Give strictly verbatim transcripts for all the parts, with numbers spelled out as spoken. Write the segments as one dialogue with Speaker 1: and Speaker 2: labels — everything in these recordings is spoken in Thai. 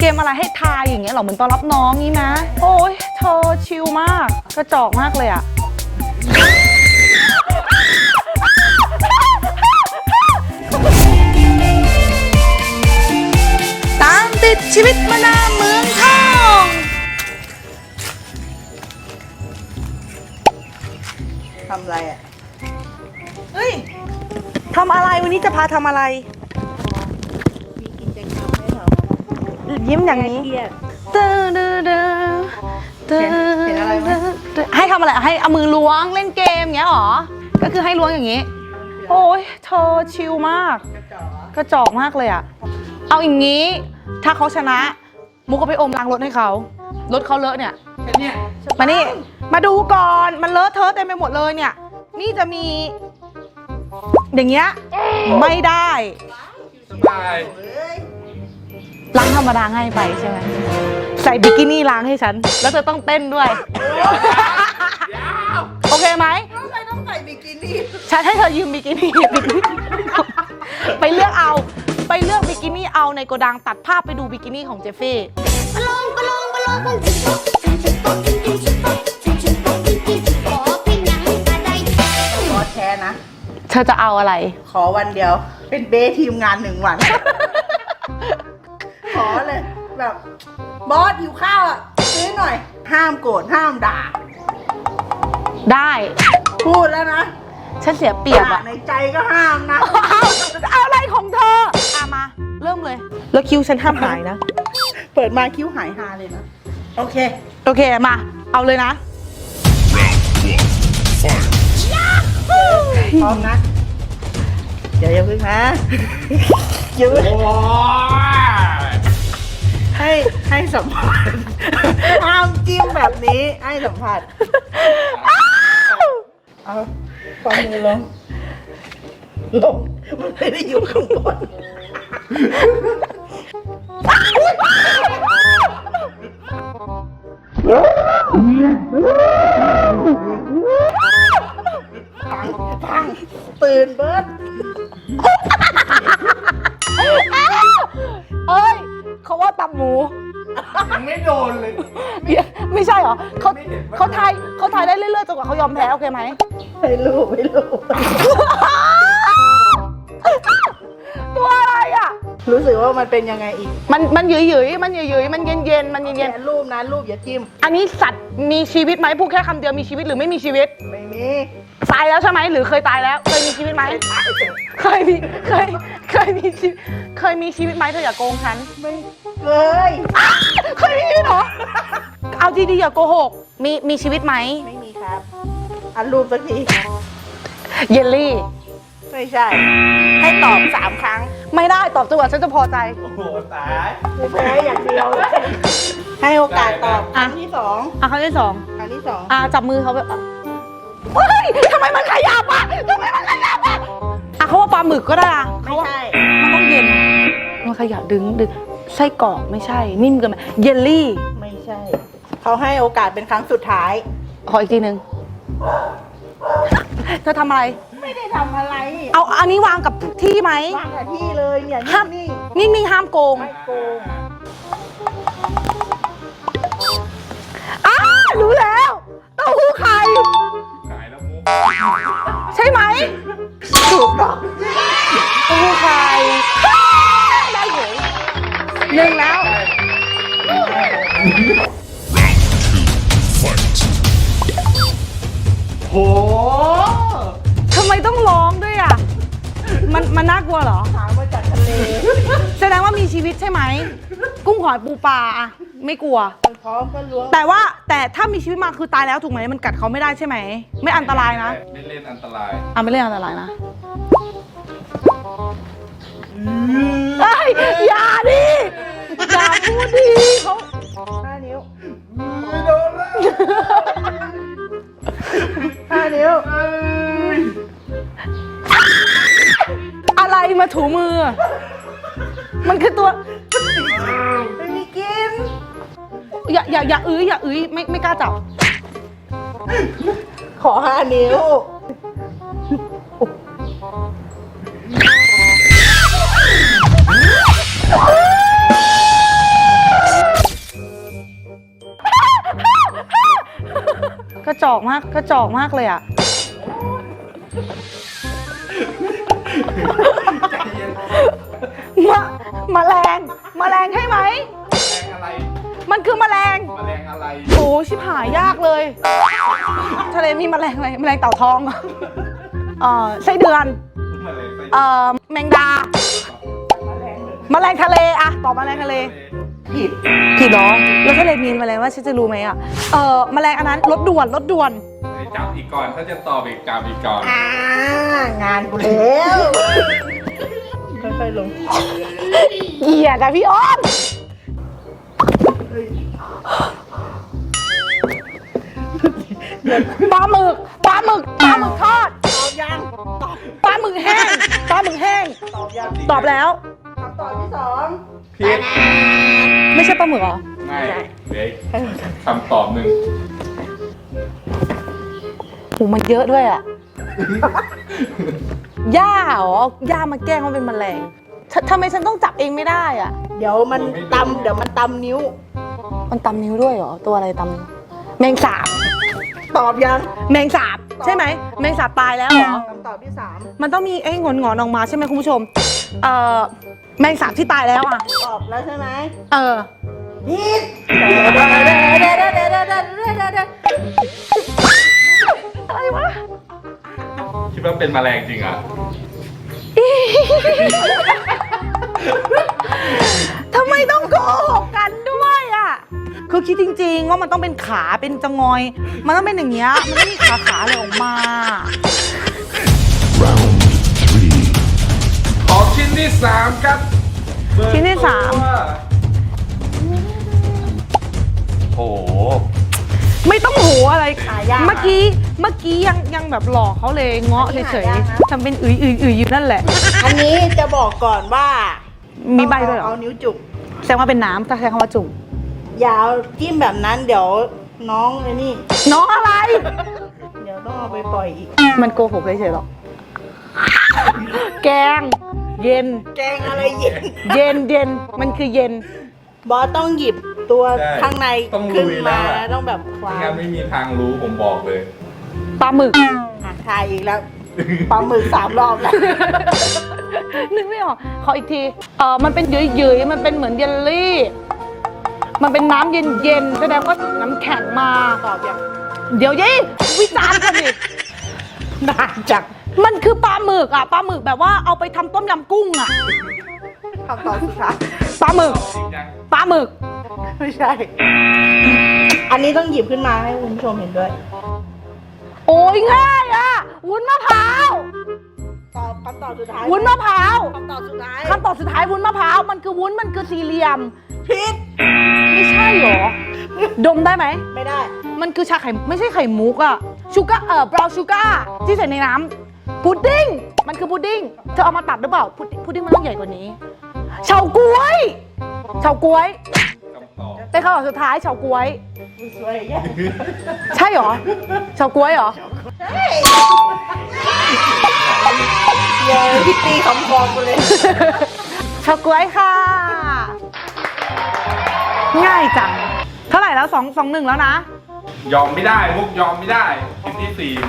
Speaker 1: กมอะไรให้ทายอย่างเงี้ยหรอเหมือนตอนรับน้องนี่นะโอ้ยเธอชิลมากกระจอกมากเลยอะตามติดชีวิตมานาเมืองทอง
Speaker 2: ทำอะไรอ่ะ
Speaker 1: เฮ้ยทำอะไรวันนี้จะพาทำอะไร
Speaker 2: มีกิจกรรมให้เรา
Speaker 1: ยิ้มอย่างนี้เด้อเด้อเด้อเด้อเห็นอะไรไหมให้ทำอะไรให้เอามือล้วงเล่นเกมเงี้ยหรอก็คือให้ล้วงอย่างนี้โอ้ยเธอชิลมากกระจอกมากเลยอะเอาอย่างนี้ถ้าเขาชนะมุกก็ไปอมล้างรถให้เขารถเขาเลอะเนี่ยมานี่มาดูก่อนมันเลอะเทอะเต็มไปหมดเลยเนี่ยนี่จะมีอย่างเงี้ยไม่ได้ล้างธรรมดาง่ายไปใช่ไหมใส่บิกินี่ล้างให้ฉันแล้วเธอต้องเต้นด้วยโอเคไหม
Speaker 2: ทำไมต้องใส่บิกินี่
Speaker 1: ฉันให้เธอยืมบิกินี่ไปเลือกเอาไปเลือกบิกินี่เอาในโกดังตัดภาพไปดูบิกินี่ของเจฟฟี่
Speaker 2: ขอแชร์นะ
Speaker 1: เธอจะเอาอะไร
Speaker 2: ขอวันเดียวเป็นเบสทีมงานหนึ่งวันขอเลยแบบบอสหิวข้าวอ่ะซื้อหน่อยห้ามโกรธห้ามด่า
Speaker 1: ได้
Speaker 2: พูดแล้วนะ
Speaker 1: ฉันเสียเปรียบอะ
Speaker 2: ในใจก็ห้ามนะ
Speaker 1: เอาอะไรของเธออะมาเริ่มเลยแล้วคิ้วฉันห้ามหายนะ
Speaker 2: เปิดมาคิ้วหายฮาเลยนะโอเค
Speaker 1: โอเคมาเอาเลยนะ
Speaker 2: พร้อมนะเดี๋ยวอย่าพึ่งนะยืดให้ให้สัมผัสห้ามจิ้มแบบนี้ให้สัมผัสเอาความมือลงลงมันไม่ได้อยู่ข้างบนพังตื่นเบิร์ด
Speaker 1: เอ้ยเขาว่าตับหมู
Speaker 3: ยังไม่โดนเลย
Speaker 1: ไม่ใช่เหรอเขาเขาทายเขาทายได้เรื่อยๆจนกว่าเขายอมแพ้โอเคไหม
Speaker 2: ไม่รู้ไม่รู้
Speaker 1: ตัวอะไรอ่ะ
Speaker 2: รู้สึกว่ามันเป็นยังไงอีก
Speaker 1: มันมันหยืยหยืยมันหยืยหยืยมันเย็นเย็นมันเย็นเย็น
Speaker 2: รูปนะรูปอย่าจิ้ม
Speaker 1: อันนี้สัตว์มีชีวิตไหมพูดแค่คำเดียวมีชีวิตหรือไม่มีชีวิต
Speaker 2: ไม่มี
Speaker 1: ตายแล้วใช่ไหมหรือเคยตายแล้วเคยมีชีวิตไหมเคยมีเคยเคยมีชีเคยมีชีวิตไหมเธออย่าโกงฉัน
Speaker 2: ไม่เคย
Speaker 1: เคยมีชีวิตเหรอเอาดีๆอย่าโกหกมีมีชีวิตไหม
Speaker 2: ไม่มีครับอันรูปสักที
Speaker 1: เยลลี่
Speaker 2: ไม่ใช่ให้ตอบสามครั้ง
Speaker 1: ไม่ได้ตอบจนกว่าฉันจะพอใจ
Speaker 3: โอ้โหตาย
Speaker 2: ไม่แพ้อย่างเดียวให้โอกาสตอบครั้งที่สอง
Speaker 1: อ่ะครั้งที่สอง
Speaker 2: ครั้งที่สอง
Speaker 1: อ่ะจับมือเขาแบบเฮ้ยทำไมมันขยับอ่ะทำไมมันขยับอ่ะอ่ะเขาว่าปลาหมึกก็ได้อ่ะ
Speaker 2: ไม่ใช่
Speaker 1: มันต้องเย็นมันขยับดึงดึงไส้กรอกไม่ใช่นิ่มเกินไปเยลลี่
Speaker 2: ไม่ใช่เขาให้โอกาสเป็นครั้งสุดท้าย
Speaker 1: ขออีกทีนึงเธอทำอะไร
Speaker 2: ไม่ได้ทำอะไร
Speaker 1: เอาอันนี้วางกับที่ไหม
Speaker 2: วางกับที่เลยเนี่ย
Speaker 1: ห้ามนิ่งนิ่งห้ามโกง
Speaker 2: ไม่โกง
Speaker 1: อ้ารู้แล้วเต้าหู้ไข่ใช่ไหม
Speaker 2: ถูกต้อง
Speaker 1: เต้าหู้ไข่ได้เหรอหนึ่งแล้ว
Speaker 3: โห
Speaker 1: ทำไมต้องร้องด้วยอ่ะมันมันน่ากลัวเหรอ
Speaker 2: หามาจากทะเล
Speaker 1: แสดงว่ามีชีวิตใช่ไหมกุ้งหอยปูปลาอะไม่กลัว
Speaker 2: พร้อมก็ล้วง
Speaker 1: แต่ว่าแต่ถ้ามีชีวิตมาคือตายแล้วถูกไหมมันกัดเขาไม่ได้ใช่ไหมไม่อันตรายนะ
Speaker 3: ไม่เล่นอันตราย
Speaker 1: อ่ะไม่เล่นอันตรายนะเฮ้ยอย่าดิอย่าพูดดิเขา
Speaker 2: ห้านิ้ว
Speaker 3: ไม่โดนแล้ว
Speaker 2: ห้านิ้ว
Speaker 1: อะไรมาถูมือมันคือตัว
Speaker 2: ไม่มีกิน
Speaker 1: อย่าอย่าอย่าอื้ออย่าอื้อไม่ไม่กล้าจับ
Speaker 2: ขอห้านิ้ว
Speaker 1: จอกมากกระจอกมากเลยอ่ะ
Speaker 3: ใจเย็น
Speaker 1: มะแมลงแมลงใช่ไหม
Speaker 3: แมลงอะไร
Speaker 1: มันคือแมลง
Speaker 3: แมลงอะไร
Speaker 1: โอ้ชิบหายยากเลย ทะเลมีแมลงอะไรแมลงเต่าทองเอ่อไส้เดือน
Speaker 3: แมลงไป
Speaker 1: เอ่อแมงดาแมลงทะเลอะตอบแมลงทะเล
Speaker 2: ผิด
Speaker 1: ผิดเหรอแล้วทะเลมีแมลงว่าฉันจะรู้ไหมอะเอ่อแมลงอันนั้นรถด่วนรถด่วน
Speaker 3: ให้จับอีกก่อน ถ้าจะตอบอีกจับอีกก่อน
Speaker 2: อ่างานกูแล้วค่อยๆลง
Speaker 1: เหี้ยแต่พี่อ้อมปลาหมึกปลาหมึกปลาหมึกทอด
Speaker 2: ตอบยังตอบ
Speaker 1: ปลาหมึกแห้งปลาหมึกแห้ง
Speaker 2: ตอบยัง
Speaker 1: ตอบแล้ว
Speaker 2: คำตอบที่สอง
Speaker 3: ผิด
Speaker 1: ไม่ใช่ปลาหมึกเหรอ
Speaker 3: ไม่เด็กคำตอบหนึ่ง
Speaker 1: โหมันเยอะด้วยอ่ะ ย่าเหรอย่ามาแกล้งว่าเป็นแมลงททำไมฉันต้องจับเองไม่ได้อ่ะ
Speaker 2: เดี๋ยวมันตำเดี๋ยวมันตำนิ้ว
Speaker 1: มันตำนิ้วด้วยเหรอ ตัวอะไรตำแมงสาบ
Speaker 2: ตอบยัง
Speaker 1: แมงสาบใช่ไหมแมงสาบตายแล้วเหรอ
Speaker 2: คำตอบที่สาม
Speaker 1: มันต้องมีไอ้งอนงอนๆออกมาใช่ไหมคุณผู้ชม เอ่อแมงสาบที่ตายแล้วอ่ะ
Speaker 2: ตอบแล้วใช่ไหม
Speaker 1: เออ
Speaker 2: ผิดเดี๋ยวเดี๋ยวเดี๋ยวเดี๋ยวเดี๋ยวเดี๋ยวเดี๋ยวเดี๋ยวเดี๋ยวเดี๋ยว
Speaker 1: อะไรวะ
Speaker 3: คิดว่าเป็นแมลงจริงอ่ะ
Speaker 1: ทำไมต้องโกหกกันด้วยอ่ะ คือคิดจริงๆว่ามันต้องเป็นขาเป็นจะงอย มันต้องเป็นอย่างเงี้ย มันไม่มีขาขาอะไรออกมา
Speaker 3: ขอชิ้นที่สามครับเบอร์
Speaker 1: ชิ้นที่สาม
Speaker 3: ตัวโอ้โห
Speaker 1: ไม่ต้องหูอะไร
Speaker 2: หายาก
Speaker 1: เมื่อกี้ เมื่อกี้ยังยังแบบหลอกเขาเลยเงาะ
Speaker 2: อันนี้
Speaker 1: เฉย
Speaker 2: หายากนะ
Speaker 1: ๆทำเป็นอึยอึยอึยอยู่นั่นแหละ
Speaker 2: อันนี้จะบอกก่อนว่า
Speaker 1: มี
Speaker 2: มี
Speaker 1: ใบด้วยเหรอ
Speaker 2: เอานิ้วจุก
Speaker 1: แสดงว่าเป็นน้ำถ้าใช้คำว่าจุ่ม
Speaker 2: อยาวจิ้มแบบนั้นเดี๋ยวน้องไอ้นี่
Speaker 1: น้องอะไร
Speaker 2: เดี๋ยวต้องเอาไปปล่อยอีก
Speaker 1: มันโกหกเฉยๆหรอก แกง เย็น
Speaker 2: แกงอะไรเย็น
Speaker 1: เย็นเย็นมันคือเย็น
Speaker 2: บอสต้องหยิบตัว
Speaker 3: ใช่
Speaker 2: ข้างใน
Speaker 3: ต้อง
Speaker 2: ขึ้น
Speaker 3: ลุย
Speaker 2: มา
Speaker 3: แล้วอะ
Speaker 2: ต้องแบบค
Speaker 3: ไม่
Speaker 2: ว้า
Speaker 3: งั้นไม่มีทางรู้ผมบอกเลย
Speaker 1: ปลาหมึก
Speaker 2: อ่ะทายอีกแล้วปลาหมึกสามรอบแล้ว
Speaker 1: นึกไม่ออก ขออีกที เออมันเป็นเยืยๆมันเป็นเหมือนเยลลี่ มันเป็นน้ำเย็นๆ แสดงว่าน้ำแข็งมา
Speaker 2: ตอบยัง
Speaker 1: เดี๋ยวยี่วิจารณ์กันดิ
Speaker 2: นานจัง
Speaker 1: มันคือปลาหมึกอ่ะ ปลาหมึกแบบว่าเอาไปทำต้มยำกุ้งอ่ะ
Speaker 2: คำตอบสุดท้าย
Speaker 1: ปลาหมึก
Speaker 3: จริงจัง
Speaker 1: ปลาหมึก
Speaker 2: ไม่ใช่ อันนี้ต้องหยิบขึ้นมาให้คุณผู้ชมเห็นด้วย
Speaker 1: โอ้ยง่ายอ่ะ วุ้นมะพร้าว
Speaker 2: ตอบคำตอบสุดท้าย
Speaker 1: วุ้นมะพร้าว
Speaker 2: คำตอบสุดท้าย
Speaker 1: คำตอบสุดท้ายวุ้นมะพร้าว มันคือวุ้น มันคือสี่เหลี่ยม
Speaker 2: ผิด
Speaker 1: ไม่ใช่หรอ ดมได้ไหม
Speaker 2: ไม่ได้
Speaker 1: มันคือชาไข่ไม่ใช่ไข่มุกอะชูการ์เอ่อบราวน์ชูการ์ที่ใส่ในน้ำพุดดิ้งมันคือพุดดิ้งเธอเอามาตัดหรือเปล่าพุดพุดดิ้งมันต้องใหญ่กว่านี้เฉาก๊วยเฉาก๊วย
Speaker 3: คำตอบ
Speaker 1: เป็นคำตอบสุดท้ายเฉาก๊วย
Speaker 2: สวยแย่
Speaker 1: ใช่หรอเฉาก๊วยเหรอ
Speaker 2: เย้พี่ตีคำคอกูเลย
Speaker 1: เฉาก๊วยค่ะ ง่ายจังเท่าไหร่แล้วสองสองหนึ่งแล้วนะ
Speaker 3: ยอมไม่ได้มุกยอมไม่ได้ชิ้นที่สี่มา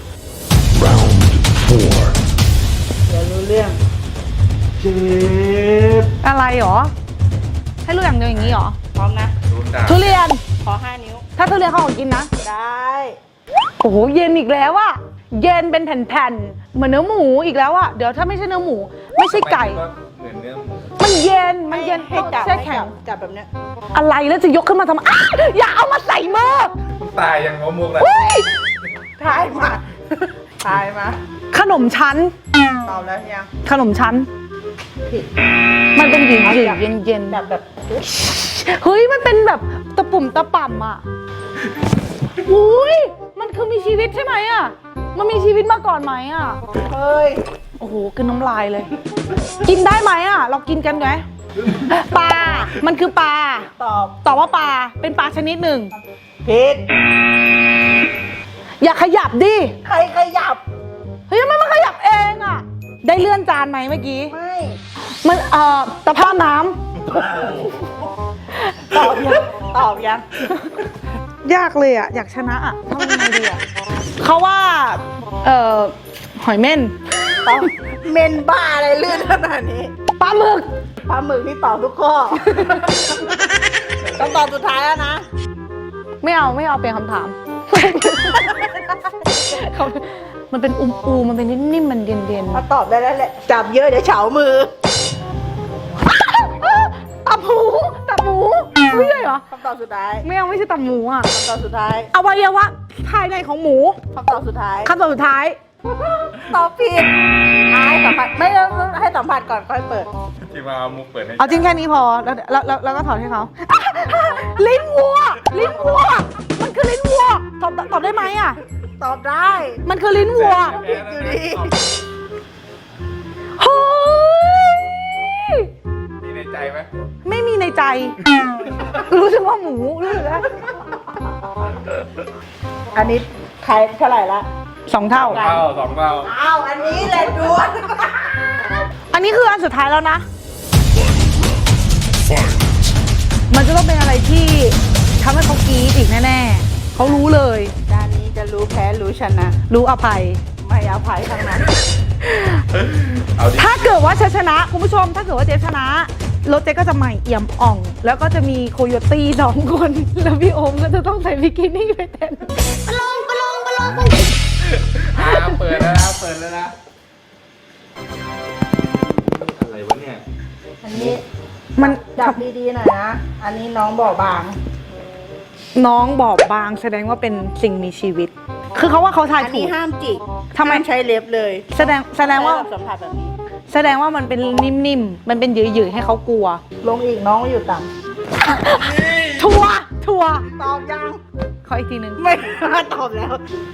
Speaker 2: เดี๋ยวรู้เรื่อง
Speaker 3: เจ็บ
Speaker 1: อะไรหรอให้รู้อย่างเดียวอย่างนี้หรอ
Speaker 2: พร้อมนะ
Speaker 3: โดนด่า
Speaker 1: ทุเรียน
Speaker 2: ขอห้านิ้ว
Speaker 1: ถ้าทุเรียนเขาของกินนะ
Speaker 2: ได้
Speaker 1: โอ้โหเย็นอีกแล้วอะเย็นเป็นแผ่นๆเหมือนเนื้อหมูอีกแล้วอะเดี๋ยวถ้าไม่ใช่เนื้อหมู ไม่ใช่ไก่
Speaker 3: เหมือนเนื้อหมู
Speaker 1: มันเย็นมันเย็น
Speaker 2: ให้จับ
Speaker 1: แช่
Speaker 2: ให้
Speaker 1: แข็
Speaker 2: จั
Speaker 1: ง
Speaker 2: บจับแบบเนี้ย
Speaker 1: อะไรแล้วจะยกขึ้นมาทำไมอ้าอย่าเอามาใส่มือ
Speaker 3: คุณตายยังงมุกเลย
Speaker 1: เฮ้ย
Speaker 2: ทายมาทายมา
Speaker 1: ขนมชั้น
Speaker 2: ตอบแล้วยัง
Speaker 1: ขนมชั้น
Speaker 2: ผิด
Speaker 1: มันเป็นหยินหยินเย็นเย็น
Speaker 2: แบบแบบ
Speaker 1: เฮ้ยมันเป็นแบบตะปุ่มตะป่ำอะอุ้ยมันคือมีชีวิตใช่ไหมอะมันมีชีวิตมาก่อนไหมอะ
Speaker 2: เฮ้ย
Speaker 1: โอ้โหกินน้ำลายเลย กินได้ไหมอะเรากินกันไหมปลา มันคือปลา
Speaker 2: ตอบ
Speaker 1: ตอบว่าปลา เป็นปลาชนิดหนึ่ง
Speaker 2: ผิด
Speaker 1: อย่าขยับดิ
Speaker 2: ใครขยับ
Speaker 1: เฮ้ยทำไมมันขยับเองอะได้เลื่อนจานไหมเมื่อกี้
Speaker 2: ไม่
Speaker 1: มันเอ่อตะภาพน้
Speaker 2: ตอบยังตอบยัง
Speaker 1: ำยากเลยอ่ะอยากชนะอ่ะทำยังไงดีอ่ะเขาว่าเอ่อหอยเม่น
Speaker 2: ต้องเมนบ้าอะไรลื่นขนาดนี้
Speaker 1: ปลาหมึก
Speaker 2: ปลาหมึกนี่ตอบทุกข้อ ต้องตอบสุดท้ายแล้วนะ
Speaker 1: ไม่เอาไม่เอาเปลี่ยนคำถาม เขามันเป็นอุ้มอูมันเป็นนิ่มๆมันเด่น
Speaker 2: ถ้าตอบได้แล้วแหละจับเยอะเดี๋ยวเฉามือ
Speaker 1: ๆตับหมูตับหมูไม่ใช่เหรอ
Speaker 2: คำตอบสุดท้าย
Speaker 1: ไม่เอาไม่ใช่ตับหมูอ่ะ
Speaker 2: คำตอบสุดท้าย
Speaker 1: อวัยวะภายในของหมู
Speaker 2: คำตอบสุดท้าย
Speaker 1: คำตอบสุดท้าย
Speaker 2: ตอบผิดอ่ะให้สัมผัสไม่ต้องให้สัมผัสก่อนค่อยเปิด
Speaker 3: ที่มาเอามุกเปิดให้
Speaker 1: เอาจริงแค่นี้พอแล้วแล้วแล้วแล้วก็ถอดให้เขา ลิ้นวัวลิ้นวัวมันคือลิ้นวัวตอบตอบได้ไหมอ่ะ
Speaker 2: ตอบได้
Speaker 1: มันคือลิ้นวัว
Speaker 3: แพ้แล้วนะ
Speaker 1: เฮ้ย
Speaker 3: มีในใจไหม
Speaker 1: ไม่มีในใจ รู้สึกว่าหมูรู้สึกว่า
Speaker 2: อันนี้ใครเท่าไหร่ละ
Speaker 1: สองเท่า
Speaker 3: สองเท่าสองเท่า
Speaker 2: อ้าวอันนี้แหละดวน
Speaker 1: อันนี้คืออันสุดท้ายแล้วนะ มันจะต้องเป็นอะไรที่ทำให้เขากรี๊ดอีกแน่ๆเขารู้เลย
Speaker 2: ด้านนี้จะรู้แพ้รู้ชนะ
Speaker 1: รู้อภัย
Speaker 2: ไม่อภัยทั้งนั้น
Speaker 3: เอาดิ
Speaker 1: ถ้าเกิดว่าเจฟชนะคุณผู้ชม ถ้าเกิดว่าเจฟชนะรถเจฟก็จะใหม่เอี่ยมอ่อง แล้วก็จะมีโคโยตี้สองคน แล้วพี่โอมก็จะต้องใส่บิกินี่ไปเต้น
Speaker 3: อ่าเปิดแล้วนะเปิดแล้วนะอะไรวะเนี่ย
Speaker 2: อันนี้
Speaker 1: มัน
Speaker 2: จับดีๆหน่อยนะ อันนี้น้องบอกบาง
Speaker 1: น้องบอบบางแสดงว่าเป็นสิ่งมีชีวิต คือเขาว่าเขาทาย
Speaker 2: อัน
Speaker 1: ถู
Speaker 2: นี้
Speaker 1: ก
Speaker 2: ห้ามจิก
Speaker 1: ทำไม
Speaker 2: ห้าใช้เล็บเลย
Speaker 1: แสดงแสดงว่า
Speaker 2: ใช้แบบสัมผัสแบบนี้
Speaker 1: แสดงว่ามันเป็นนิ่มๆ มันเป็นหยืดๆให้เขากลัว
Speaker 2: ลงอีกน้องอยู่ต่
Speaker 1: ทัวร์ทัวร์
Speaker 2: ำตอบยัง
Speaker 1: ขออีกทีหนึ่ง
Speaker 2: ไม่ตอบแล้ว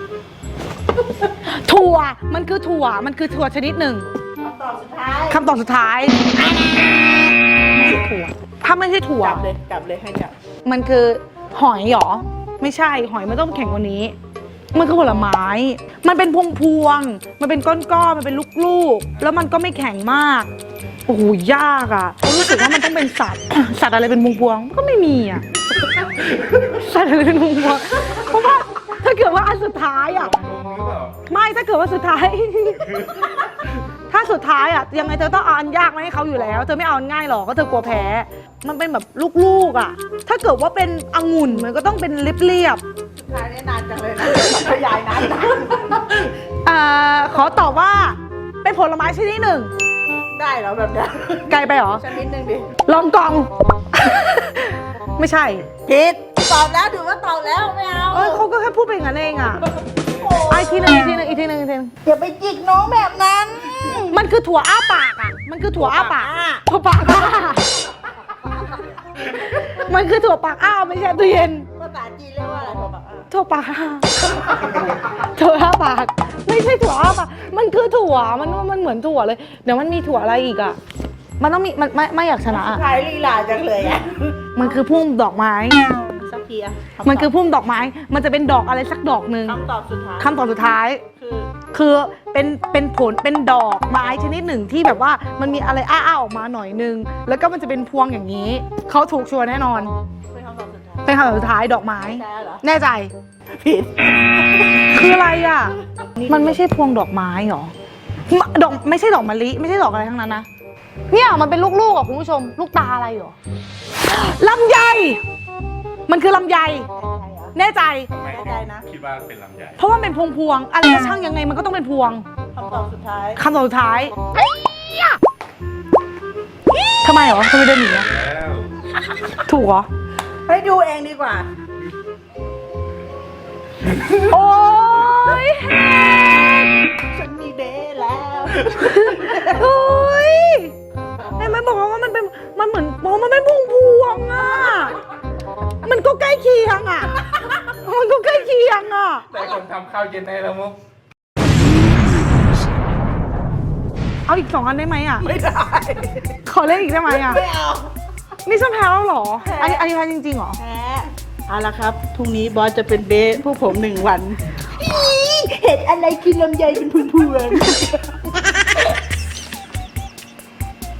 Speaker 1: ถั่วมันคือถั่วมันคือถั่วชนิดหนึ่ง
Speaker 2: คำตอบสุดท้าย
Speaker 1: คำตอบสุดท้ายไม่ใช่ถั่วถ้าไม่ใช่ถั่ว
Speaker 2: จับเลยจับเลยให้จับ
Speaker 1: มันคือหอยเหรอ ไม่ใช่หอยมันต้องแข็งกว่านี้ มันคือผลไม้ มันเป็นพวงพวงๆมันเป็นก้อนๆมันเป็นลูกๆแล้วมันก็ไม่แข็งมากโอ้โหยากอ่ะรู้สึกว่ามันต้องเป็นสัตว์ สัตว์อะไรเป็นพวงพวงๆก็ไม่มีอ่ะ สัตว์อะไรเป็นพวงพวงๆเพราะว่าถ้าเกิดว่าอันสุดท้ายอ่ะ
Speaker 3: ลงหรือเปล่า
Speaker 1: ไม่ถ้าเกิดว่าสุดท้าย ถ้าสุดท้ายอ่ะยังไงเธอต้องเอาอันยากมาให้เขาอยู่แล้ว เธอไม่เอาอันง่ายหรอกก็เธอกลัวแพ้ มันเป็นแบบลูกๆอ่ะ ถ้าเกิดว่าเป็นองุ่นมันก็ต้องเป็นเรียบ
Speaker 2: สุดท้ายนี่นานจังเลยนะขยายนานนะ
Speaker 1: ๆอ่าขอตอบว่าเป็นผลไม้ชนิดหนึ่ง
Speaker 2: ได้แล้วแบบเนี้ย
Speaker 1: ไกลไปเหรอ
Speaker 2: ชนิดหนึ่งดิ
Speaker 1: ลองกอง ไม่ใช่
Speaker 2: ผิดตอบแล้วถือว่าตอบแล้วไม่เอา
Speaker 1: เอ้ยเขาก็แค่พูดไปอย่างนั้นเองอ่ะ
Speaker 2: โอ้
Speaker 1: ไอะอีกทีหนึงอีกทีหนึงอีกทีหนึงอีกทีหนึง
Speaker 2: อย่าไปจิกน้องแบบนั้น
Speaker 1: มันคือถั่วอ้าปากอ่ะ มันคือถั่วอ้าปาก
Speaker 2: ถั่วปากอ้า
Speaker 1: ถั่วปากอ้า มันคือถั่วปากอ้าไม่ใช่ตู้เย็น
Speaker 2: ภาษาจีนเรียกว่าอะไรถั่วปากอ้า
Speaker 1: ถั่วปากอ้าถั่วอ้าปาก ไม่ใช่ถั่วอ้าปาก มันคือถั่ว มันมันเหมือนถั่วเลย เดี๋ยวมันมีถั่วอะไรอีกอ่ะ มันต้องมี มันไม่ไม่อยากชนะอะ
Speaker 2: ขายลีลาจังเลยอ่ะ
Speaker 1: มันคือพุ่มดอกไม้
Speaker 2: สักทีอะ
Speaker 1: มันคือพุ่มดอกไม้ มันจะเป็นดอกอะไรสักดอกหนึ่ง
Speaker 2: คำตอบสุดท้าย
Speaker 1: คำตอบสุดท้าย
Speaker 2: คือ
Speaker 1: คือเป็นเป็นผลเป็นดอกไม้ชนิดหนึ่งที่แบบว่ามันมีอะไรอ้าๆออกมาหน่อยนึง แล้วก็มันจะเป็นพวงอย่างนี้ เขาถูกชัวร์แน่นอน
Speaker 2: เป็นคำตอบสุดท้าย
Speaker 1: เป็นคำตอบสุดท้ายดอกไม้
Speaker 2: ใช่เหรอ
Speaker 1: แน่ใจ
Speaker 2: ผิด
Speaker 1: คืออะไรอ่ะ มันไม่ใช่พวงดอกไม้หรอมะดอกไม่ใช่ดอกมะลิไม่ใช่ดอกอะไรทั้งนั้นนะ เนี่ยมันเป็นลูกๆอ่ะคุณผู้ชม ลูกตาอะไรหรอ ลำไย มันคือลำไย แน่ใจ
Speaker 3: ทำไม
Speaker 2: แน่ใจนะ
Speaker 3: คิดว่าเป็นลำไย
Speaker 1: เพราะว่ามันเป็นพวงพวงๆอะไรก็ช่างยังไงมันก็ต้องเป็นพวง
Speaker 2: คำตอบสุดท้าย
Speaker 1: คำตอบสุดท้ายทำไมหรอทำไมเดินหนีอะ
Speaker 3: แล้ว
Speaker 1: ถูกเหรอ
Speaker 2: ให้ดูเองดีกว่า
Speaker 1: โอ้ยแฮก
Speaker 2: ฉันมีเบสแล้ว
Speaker 1: เฮ้ยเห็นไหมบอกว่ามันเป็นมันเหมือนบอกว่ามันเป็นพวงพวงๆอ่ะ มันก็ใกล้เคียงอ่ะ มันก็ใกล้เคียงอ่ะ
Speaker 3: แต่คนทำข้าวเย็นให้แล้วมุก
Speaker 1: เอาอีกสองอันได้ไหมอ่ะ
Speaker 2: ไม่ได้
Speaker 1: ขอเล่นอีกได้ไหมอ่ะ
Speaker 2: ไม่เอา
Speaker 1: นี่ฉันแพ้แล้วเหรอ
Speaker 2: แพ้
Speaker 1: อันนี้อันนี้แพ้จริงๆเหรอ
Speaker 2: แพ้เอาละครับพรุ่งนี้บอสจะเป็นเบสพวกผมหนึ่งวันอี๋เห็นอะไรกินลำไยเป็นพวง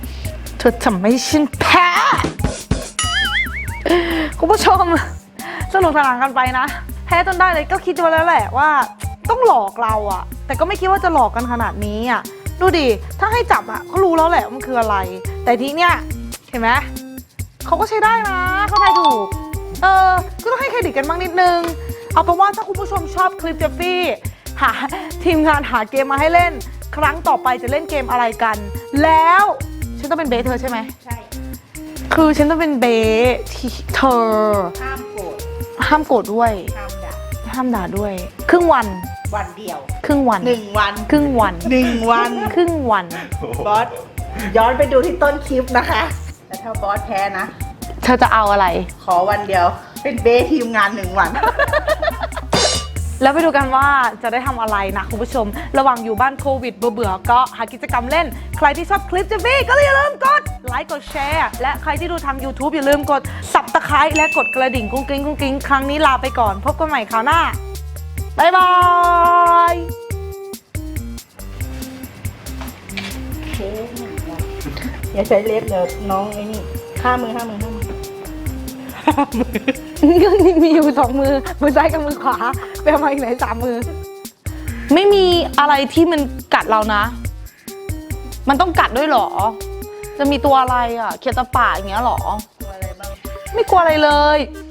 Speaker 1: เธอทำให้ฉันแพ้คุณผู้ชมสนุกสนานกันไปนะแพ้จนได้เลยก็คิดไว้แล้วแหละว่าต้องหลอกเราอะแต่ก็ไม่คิดว่าจะหลอกกันขนาดนี้อะดูดิถ้าให้จับอะก็รู้แล้วแหละว่ามันคืออะไร แต่ทีเนี้ยเห็นไหมเขาก็ใช้ได้นะเขาทายถูกเออก็ต้องให้เครดิตกันบ้างนิดนึงเอาเป็นว่าถ้าคุณผู้ชมชอบคลิปเจฟฟี่หาทีมงานหาเกมมาให้เล่นครั้งต่อไปจะเล่นเกมอะไรกันแล้วฉันต้องเป็นเบสเธอใช่ไหม
Speaker 2: ใช่
Speaker 1: คือฉันต้องเป็นเบสที่เธอ
Speaker 2: ห้ามโกรธ
Speaker 1: ห้ามโกรธด้วย
Speaker 2: ห้ามด่า
Speaker 1: ห้ามด่าด้วย ครึ่งวัน
Speaker 2: วันเดียว
Speaker 1: ครึ่งวัน
Speaker 2: หนึ่งวัน
Speaker 1: ครึ่งวัน
Speaker 2: หนึ่งวัน
Speaker 1: ครึ่งวัน
Speaker 2: บอสย้อนไปดูที่ต้นคลิปนะคะแต่ถ้าบอสแพ้นะ
Speaker 1: เธอจะเอาอะไร
Speaker 2: ขอวันเดียวเป็นเบสทีมงานหนึ่งวัน
Speaker 1: แล้วไปดูกันว่าจะได้ทำอะไรนะคุณผู้ชมระหว่างอยู่บ้านโควิดเบื่อๆก็หากิจกรรมเล่นใครที่ชอบคลิปเจฟฟี่ก็อย่าลืมกดไลค์กดแชร์และใครที่ดูทาง YouTube อย่าลืมกด Subscribe และกดกระดิ่งกุ้งกิ้งกุ้งกิ้งครั้งนี้ลาไปก่อนพบกันใหม่คราวหน้าบ๊ายบาย
Speaker 2: อย่าใช้เล็บเดี๋ยวน้องไอ้นี่ห้ามือห้ามือห้ามือ
Speaker 1: มีอยู่สองมือมือซ้ายกับมือขวาไปเอามาอีกไหนสามมือ ไม่มีอะไรที่มันกัดเรานะ มันต้องกัดด้วยเหรอ จะมีตัวอะไรอ่ะเขียดตะป่าอย่างเงี้ยเหรอ
Speaker 2: ตัวอะไรบ้าง
Speaker 1: ไม่กลัวอะไรเลย
Speaker 2: เ